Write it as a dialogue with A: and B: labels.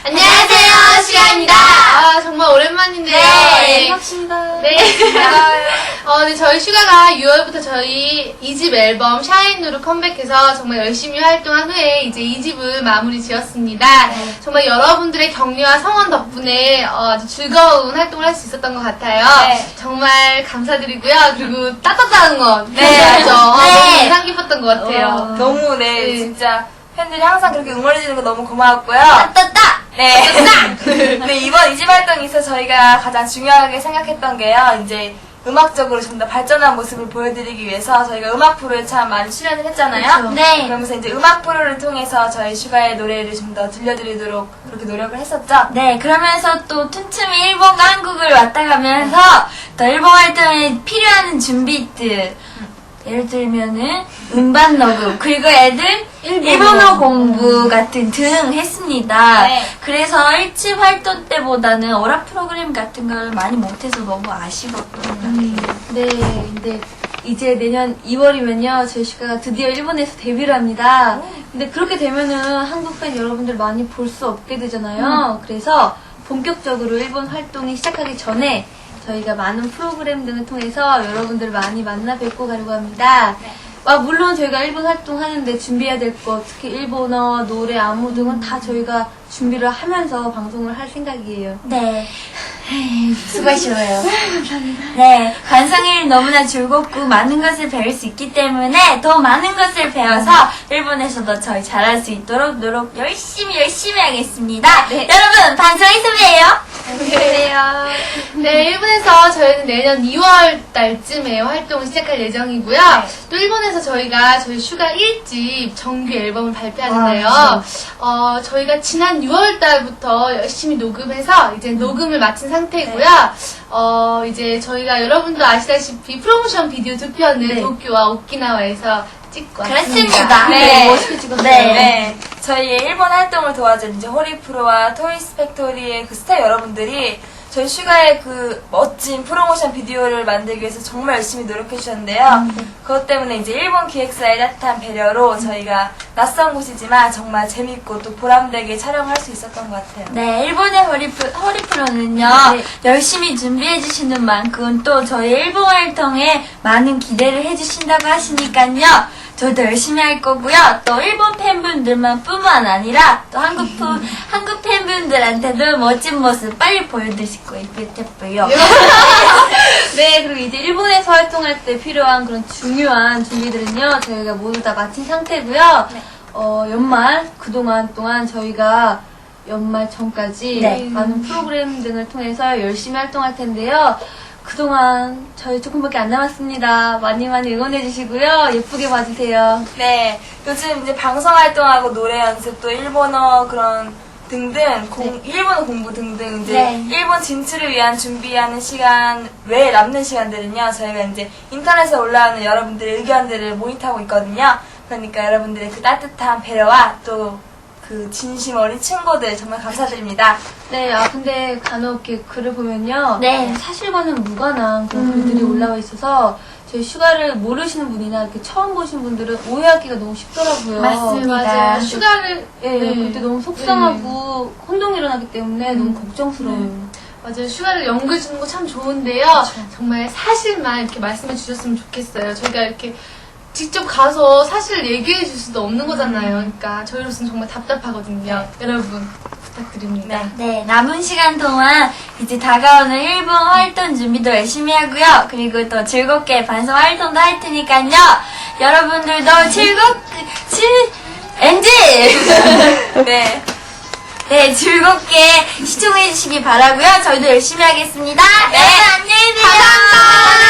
A: 안녕하세요, 슈가입니다. 정말 오랜만인데요.
B: 네, 반갑습니다.
A: 네. 네, 저희 슈가가 6월부터 저희 2집 앨범 샤인으로 컴백해서 정말 열심히 활동한 후에 이제 2집을 마무리 지었습니다.
B: 네.
A: 정말 여러분들의 격려와 성원 덕분에 아주 즐거운 활동을 할 수 있었던 것 같아요.
B: 네.
A: 정말 감사드리고요. 그리고 따뜻한 건
B: 네.
A: 너무
B: 네.
A: 인상 깊었던 것 같아요.
B: 너무
A: 네.
B: 진짜 팬들이 항상 그렇게 응원해주는 거 너무 고마웠고요.
A: 따따따!
B: 네. 네, 이번 2집 활동에 있어 저희가 가장 중요하게 생각했던 게요. 이제 음악적으로 좀 더 발전한 모습을 보여드리기 위해서 저희가 음악 프로에 참 많이 출연을 했잖아요.
A: 그렇죠.
C: 네.
B: 그러면서 이제 음악 프로를 통해서 저희 슈가의 노래를 좀 더 들려드리도록 그렇게 노력을 했었죠.
C: 네, 그러면서 또 틈틈이 일본과 한국을 왔다 가면서 또 일본 활동에 필요한 준비들. 예를 들면은 음반 녹음, 그리고 애들 일본어 공부 같은 등 했습니다.
B: 네.
C: 그래서 1집 활동 때보다는 오락 프로그램 같은 걸 많이 못해서 너무 아쉬웠거든요.
D: 네, 근데 이제 내년 2월이면요, 저희 슈가가 드디어 일본에서 데뷔를 합니다. 근데 그렇게 되면은 한국 팬 여러분들 많이 볼 수 없게 되잖아요. 그래서 본격적으로 일본 활동이 시작하기 전에 저희가 많은 프로그램 등을 통해서 여러분들 많이 만나 뵙고 가려고 합니다. 물론 저희가 일본 활동하는데 준비해야 될 것, 특히 일본어, 노래, 안무 등은 다 저희가 준비를 하면서 방송을 할 생각이에요.
C: 네. 수고하셔요. 네, 관성일 너무나 즐겁고 많은 것을 배울 수 있기 때문에 더 많은 것을 배워서 일본에서도 저희 잘할 수 있도록 노력 열심히 하겠습니다.
D: 네.
C: 여러분, 반성에서 봬요.
D: 안녕하세요.
A: 네, 일본에서 저희는 내년 2월 달쯤에 활동을 시작할 예정이고요. 또 일본에서 저희가 저희 슈가 1집 정규 앨범을 발표하는데요. 저희가 지난 6월 달부터 열심히 녹음해서 이제 녹음을 마친 상태고요. 이제 저희가 여러분도 아시다시피 프로모션 비디오 두 편을 도쿄와 오키나와에서 찍고 왔습니다.
C: 그렇습니다.
B: 네.
D: 멋있게 찍었어요.
B: 네. 저희의 일본 활동을 도와준 이제 호리프로와 토이스 팩토리의 그 스타 여러분들이 저희 슈가의 그 멋진 프로모션 비디오를 만들기 위해서 정말 열심히 노력해 주셨는데요. 그것 때문에 이제 일본 기획사의 따뜻한 배려로 저희가 낯선 곳이지만 정말 재밌고 또 보람되게 촬영할 수 있었던 것 같아요.
C: 네, 일본의 허리프로는요, 열심히 준비해주시는 만큼 또 저희 일본 활동에 많은 기대를 해주신다고 하시니까요, 저도 열심히 할 거고요. 또 일본 팬분들만 뿐만 아니라 또 한국 팬분들한테도 멋진 모습 빨리 보여드릴 거예요.
D: 네, 그리고 이제 일본에서 활동할 때 필요한 그런 중요한 준비들은요, 저희가 모두 다 마친 상태고요. 연말, 그동안 동안 저희가 연말 전까지 많은 프로그램 등을 통해서 열심히 활동할 텐데요. 그동안 저희 조금밖에 안 남았습니다. 많이 응원해주시고요. 예쁘게 봐주세요.
B: 네, 요즘 이제 방송 활동하고 노래 연습 또 일본어 그런 등등 일본어 공부 등등 이제 일본 진출을 위한 준비하는 시간 외에 남는 시간들은요 저희가 이제 인터넷에 올라오는 여러분들의 의견들을 모니터하고 있거든요. 그러니까 여러분들의 그 따뜻한 배려와 또 그 진심 어린 친구들 정말 감사드립니다.
D: 네, 근데 간혹 이렇게 글을 보면요.
C: 네.
D: 사실과는 무관한 그런 글들이 올라와 있어서 저희 슈가를 모르시는 분이나 이렇게 처음 보신 분들은 오해하기가 너무 쉽더라고요.
C: 맞습니다.
A: 맞아요. 슈가를
D: 그때 너무 속상하고 혼동이 일어나기 때문에 너무 걱정스러워요.
A: 맞아요. 슈가를 연구해 주는 거 참 좋은데요. 정말 사실만 이렇게 말씀해 주셨으면 좋겠어요. 저희가 이렇게 직접 가서 사실 얘기해 줄 수도 없는 거잖아요. 그러니까 저희로서는 정말 답답하거든요. 여러분 부탁드립니다.
C: 네, 남은 시간 동안 이제 다가오는 일본 활동 준비도 열심히 하고요. 그리고 또 즐겁게 반성 활동도 할 테니까요. 여러분들도 엔지! 네, 즐겁게 시청해 주시기 바라고요. 저희도 열심히 하겠습니다. 네, 안녕히 계세요. 감사합니다.